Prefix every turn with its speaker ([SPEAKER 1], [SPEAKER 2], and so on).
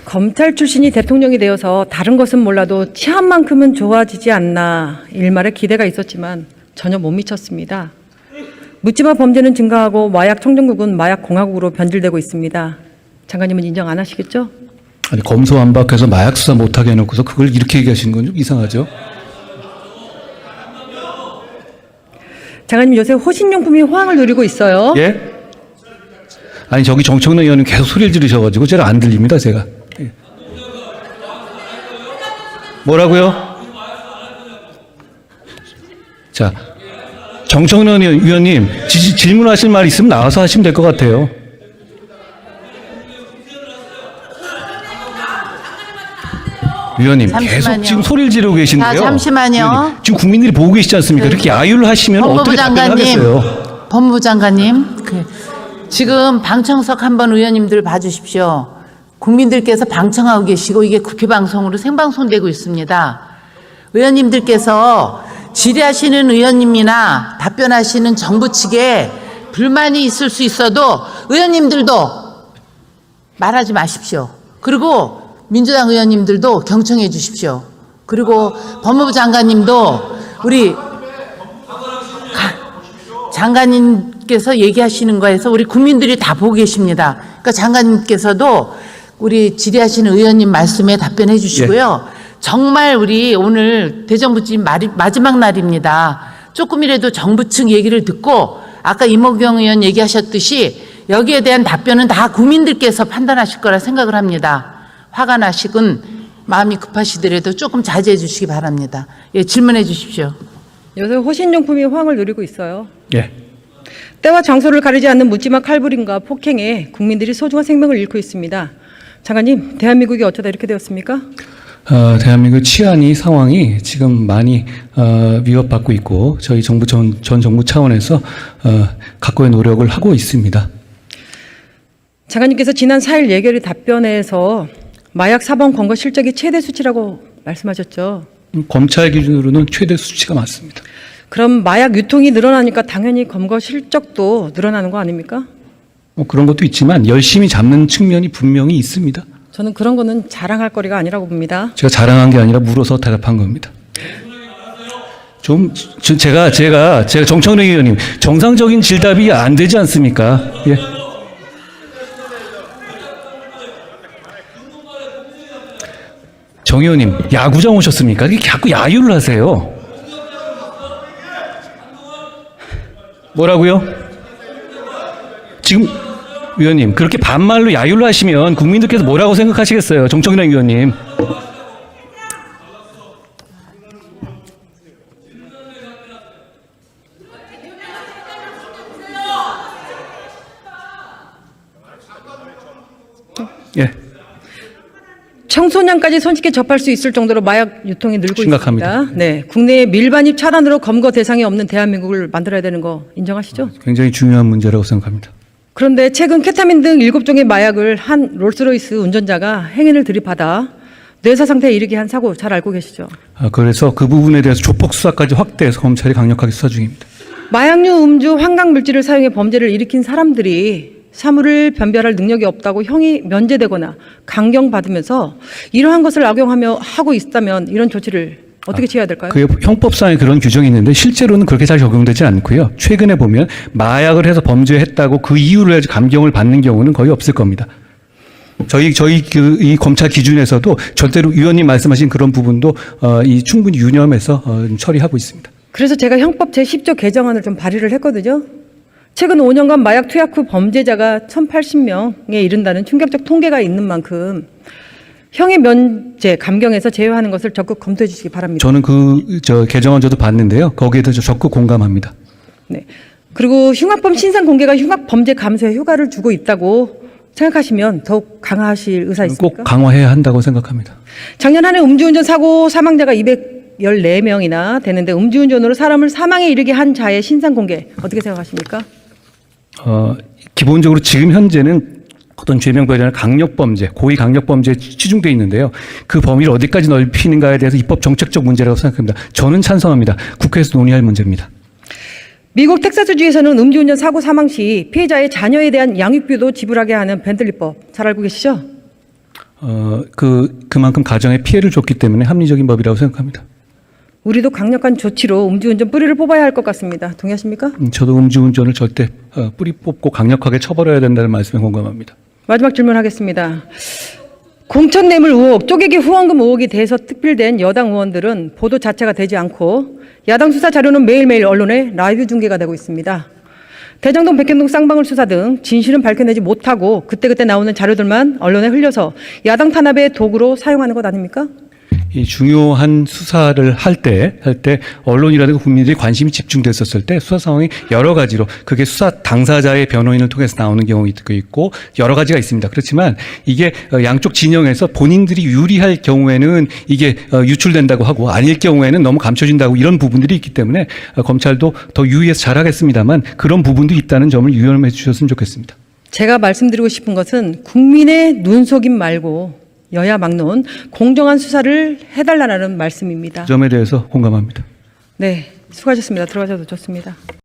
[SPEAKER 1] 검찰 출신이 대통령이 되어서 다른 것은 몰라도 치안만큼은 좋아지지 않나 일말의 기대가 있었지만 전혀 못 미쳤습니다. 묻지마 범죄는 증가하고 마약 청정국은 마약 공화국으로 변질되고 있습니다. 장관님은 인정 안 하시겠죠?
[SPEAKER 2] 아니, 검소완박해서 마약 수사 못하게 해놓고서 그걸 이렇게 얘기하시는 건 좀 이상하죠?
[SPEAKER 1] 장관님 요새 호신용품이 호황을 누리고 있어요.
[SPEAKER 2] 예? 아니, 저기 정청래 의원님 계속 소리를 지르셔가지고 제가 안 들립니다, 제가. 예. 뭐라고요? 자, 정청래 의원님 질문하실 말 있으면 나와서 하시면 될 것 같아요. 의원님
[SPEAKER 3] 잠시만요.
[SPEAKER 2] 계속 지금 소리를 지르고 계신데요.
[SPEAKER 3] 자, 잠시만요.
[SPEAKER 2] 의원님, 지금 국민들이 보고 계시지 않습니까? 이렇게 야유를 하시면 어떻게 답변하겠어요?
[SPEAKER 3] 법무부 장관님, 지금 방청석 한번 의원님들 봐주십시오. 국민들께서 방청하고 계시고 이게 국회 방송으로 생방송되고 있습니다. 의원님들께서 질의하시는 의원님이나 답변하시는 정부 측에 불만이 있을 수 있어도 의원님들도 말하지 마십시오. 그리고 민주당 의원님들도 경청해 주십시오. 그리고 법무부 장관님도 우리 장관님께서 얘기하시는 거에서 우리 국민들이 다 보고 계십니다. 그러니까 장관님께서도 우리 질의하시는 의원님 말씀에 답변해 주시고요. 예. 정말 우리 오늘 대정부질 마지막 날입니다. 조금이라도 정부 측 얘기를 듣고 아까 이모경 의원 얘기하셨듯이 여기에 대한 답변은 다 국민들께서 판단하실 거라 생각을 합니다. 화가 나시건 마음이 급하시더라도 조금 자제해 주시기 바랍니다. 예, 질문해 주십시오.
[SPEAKER 1] 요새 호신용품이 호황을 누리고 있어요.
[SPEAKER 2] 예.
[SPEAKER 1] 때와 장소를 가리지 않는 묻지마 칼부림과 폭행에 국민들이 소중한 생명을 잃고 있습니다. 장관님, 대한민국이 어쩌다 이렇게 되었습니까?
[SPEAKER 2] 대한민국 치안이 상황이 지금 많이 위협받고 있고 저희 정부 전 정부 차원에서 각고의 노력을 하고 있습니다.
[SPEAKER 1] 장관님께서 지난 4일 예결위 답변에서 마약 사범 검거 실적이 최대 수치라고 말씀하셨죠.
[SPEAKER 2] 검찰 기준으로는 최대 수치가 맞습니다.
[SPEAKER 1] 그럼 마약 유통이 늘어나니까 당연히 검거 실적도 늘어나는 거 아닙니까?
[SPEAKER 2] 그런 것도 있지만 열심히 잡는 측면이 분명히 있습니다.
[SPEAKER 1] 저는 그런 거는 자랑할 거리가 아니라고 봅니다.
[SPEAKER 2] 제가 자랑한 게 아니라 물어서 대답한 겁니다. 제가 정청래 의원님 정상적인 질답이 안 되지 않습니까? 예. 정 의원님 야구장 오셨습니까? 이렇게 자꾸 야유를 하세요. 뭐라고요? 지금 의원님 그렇게 반말로 야유를 하시면 국민들께서 뭐라고 생각하시겠어요? 정청래 의원님. 예.
[SPEAKER 1] 청소년까지 손쉽게 접할 수 있을 정도로 마약 유통이 늘고
[SPEAKER 2] 심각합니다.
[SPEAKER 1] 있습니다. 네, 국내에 밀반입 차단으로 검거 대상이 없는 대한민국을 만들어야 되는 거 인정하시죠?
[SPEAKER 2] 굉장히 중요한 문제라고 생각합니다.
[SPEAKER 1] 그런데 최근 케타민 등 7종의 마약을 한 롤스로이스 운전자가 행인을 들이받아 뇌사 상태에 이르게 한 사고 잘 알고 계시죠?
[SPEAKER 2] 그래서 그 부분에 대해서 조폭 수사까지 확대해서 검찰이 강력하게 수사 중입니다.
[SPEAKER 1] 마약류, 음주, 환각 물질을 사용해 범죄를 일으킨 사람들이 사물을 변별할 능력이 없다고 형이 면제되거나 강경받으면서 이러한 것을 하고 있다면 이런 조치를 어떻게 취해야 될까요?
[SPEAKER 2] 그 형법상에 그런 규정이 있는데 실제로는 그렇게 잘 적용되지 않고요. 최근에 보면 마약을 해서 범죄했다고 그 이유로 해서 감경을 받는 경우는 거의 없을 겁니다. 저희 이 검찰 기준에서도 절대로 위원님 말씀하신 그런 부분도 충분히 유념해서 처리하고 있습니다.
[SPEAKER 1] 그래서 제가 형법 제10조 개정안을 좀 발의를 했거든요. 최근 5년간 마약 투약 후 범죄자가 1,080명에 이른다는 충격적 통계가 있는 만큼 형의 면제, 감경에서 제외하는 것을 적극 검토해 주시기 바랍니다.
[SPEAKER 2] 저는 개정안 저도 봤는데요. 거기에 대해서 적극 공감합니다.
[SPEAKER 1] 네. 그리고 흉악범 신상 공개가 흉악 범죄 감소에 효과를 주고 있다고 생각하시면 더욱 강화하실 의사 있습니까?
[SPEAKER 2] 꼭 강화해야 한다고 생각합니다.
[SPEAKER 1] 작년 한 해 음주운전 사고 사망자가 214명이나 되는데 음주운전으로 사람을 사망에 이르게 한 자의 신상 공개 어떻게 생각하십니까?
[SPEAKER 2] 기본적으로 지금 현재는 어떤 죄명법이 아니라 강력범죄, 고의 강력범죄에 치중되어 있는데요. 그 범위를 어디까지 넓히는가에 대해서 입법 정책적 문제라고 생각합니다. 저는 찬성합니다. 국회에서 논의할 문제입니다.
[SPEAKER 1] 미국 텍사스주에서는 음주운전 사고 사망 시 피해자의 자녀에 대한 양육비도 지불하게 하는 벤틀리법 잘 알고 계시죠?
[SPEAKER 2] 그만큼 가정에 피해를 줬기 때문에 합리적인 법이라고 생각합니다.
[SPEAKER 1] 우리도 강력한 조치로 음주운전 뿌리를 뽑아야 할 것 같습니다. 동의하십니까?
[SPEAKER 2] 저도 음주운전을 절대 뿌리 뽑고 강력하게 처벌해야 된다는 말씀에 공감합니다.
[SPEAKER 1] 마지막 질문하겠습니다. 공천뇌물 의혹, 쪼개기 후원금 의혹이 돼서 특필된 여당 의원들은 보도 자체가 되지 않고 야당 수사 자료는 매일매일 언론에 라이브 중계가 되고 있습니다. 대장동, 백현동 쌍방울 수사 등 진실은 밝혀내지 못하고 그때그때 나오는 자료들만 언론에 흘려서 야당 탄압의 도구로 사용하는 것 아닙니까?
[SPEAKER 2] 이 중요한 수사를 할 때 언론이라든가 국민들이 관심이 집중됐었을 때 수사 상황이 여러 가지로 그게 수사 당사자의 변호인을 통해서 나오는 경우도 있고 여러 가지가 있습니다. 그렇지만 이게 양쪽 진영에서 본인들이 유리할 경우에는 이게 유출된다고 하고 아닐 경우에는 너무 감춰진다고 이런 부분들이 있기 때문에 검찰도 더 유의해서 잘하겠습니다만 그런 부분도 있다는 점을 유념해 주셨으면 좋겠습니다.
[SPEAKER 1] 제가 말씀드리고 싶은 것은 국민의 눈속임 말고 여야 막론 공정한 수사를 해달라는 말씀입니다.
[SPEAKER 2] 그 점에 대해서 공감합니다.
[SPEAKER 1] 네, 수고하셨습니다. 들어가셔도 좋습니다.